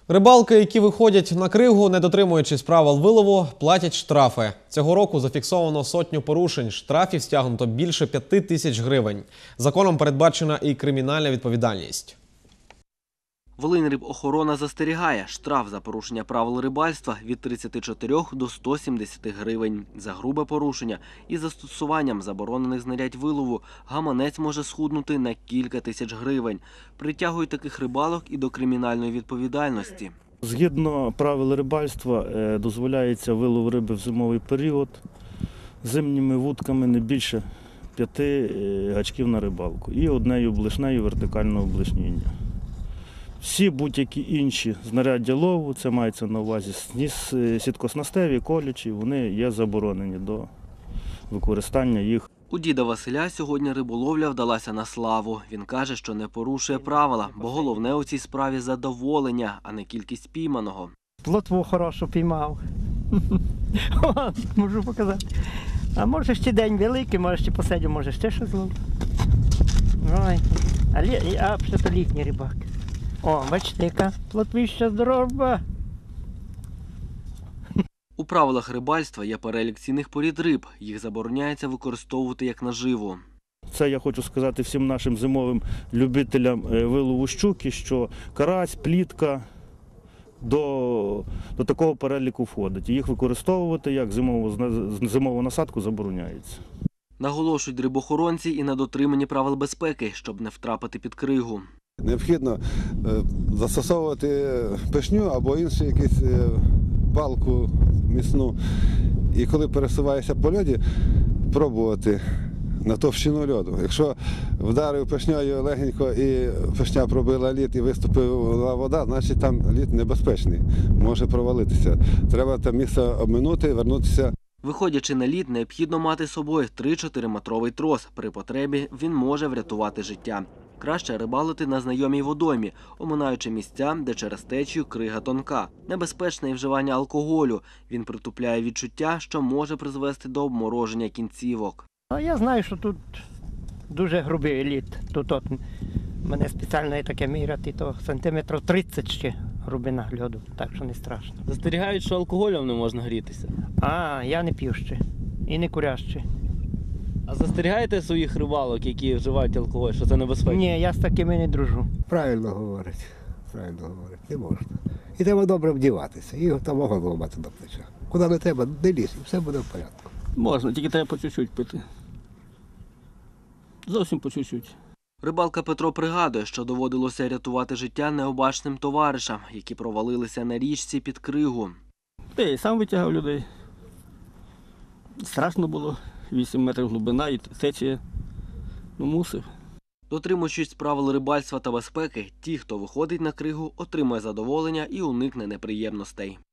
Рибалки, які виходять на кригу, не дотримуючись правил вилову, платять штрафи. Цього року зафіксовано сотню порушень. Штрафів стягнуто більше 5 тисяч гривень. Законом передбачена і кримінальна відповідальність. Волиньрибохорона застерігає, штраф за порушення правил рибальства від 34 до 170 гривень. За грубе порушення і застосуванням заборонених знарядь вилову гаманець може схуднути на кілька тисяч гривень. Притягують таких рибалок і до кримінальної відповідальності. Згідно правил рибальства дозволяється вилов риби в зимовий період зимніми вудками не більше 5 гачків на рибалку і однею блишнею вертикального блишніння. Всі будь-які інші знаряддя лову, це мається на увазі сіткоснастеві, колючі, вони є заборонені до використання їх. У діда Василя сьогодні риболовля вдалася на славу. Він каже, що не порушує правила, бо головне у цій справі задоволення, а не кількість пійманого. Плотву хорошу піймав. Можу показати. А може ще день великий, може ще посидю, може ще щось зловлю. А ще то літній рибак. О, бачите, яка плотвища здорова. У правилах рибальства є перелік цінних порід риб. Їх забороняється використовувати як наживу. Це я хочу сказати всім нашим зимовим любителям вилову щуки, що карась, плітка до такого переліку входить. Їх використовувати як зимову насадку забороняється. Наголошують рибохоронці і на дотриманні правил безпеки, щоб не втрапити під кригу. Необхідно застосовувати пишню або іншу якусь палку міцну. І коли пересуваєшся по льоді, пробувати на товщину льоду. Якщо вдарив пишнею легенько і пишня пробила лід і виступила вода, значить там лід небезпечний, може провалитися. Треба те місце обминути, вернутися. Виходячи на лід, необхідно мати з собою 3-4-метровий трос. При потребі він може врятувати життя. Краще рибалити на знайомій водоймі, оминаючи місця, де через течію крига тонка. Небезпечне і вживання алкоголю. Він притупляє відчуття, що може призвести до обмороження кінцівок. Я знаю, що тут дуже грубий лід. Тут мене спеціально є таке міряти, то сантиметрів 30 ще грубина льоду, так що не страшно. Застерігають, що алкоголем не можна грітися. Я не п'ю ще і не курю ще. А застерігаєте своїх рибалок, які вживають алкоголь, що це небезпечно? Ні, я з такими не дружу. Правильно говорить, не можна. І треба добре вдіватися, і самого зламати до плеча. Куди не треба, не лізь, і все буде в порядку. Можна, тільки треба по чуть-чуть пити. Зовсім по чуть-чуть. Рибалка Петро пригадує, що доводилося рятувати життя необачним товаришам, які провалилися на річці під кригу. Я і сам витягав людей. Страшно було. 8 метрів глибина і течія. Мусив. Дотримуючись правил рибальства та безпеки, ті, хто виходить на кригу, отримає задоволення і уникне неприємностей.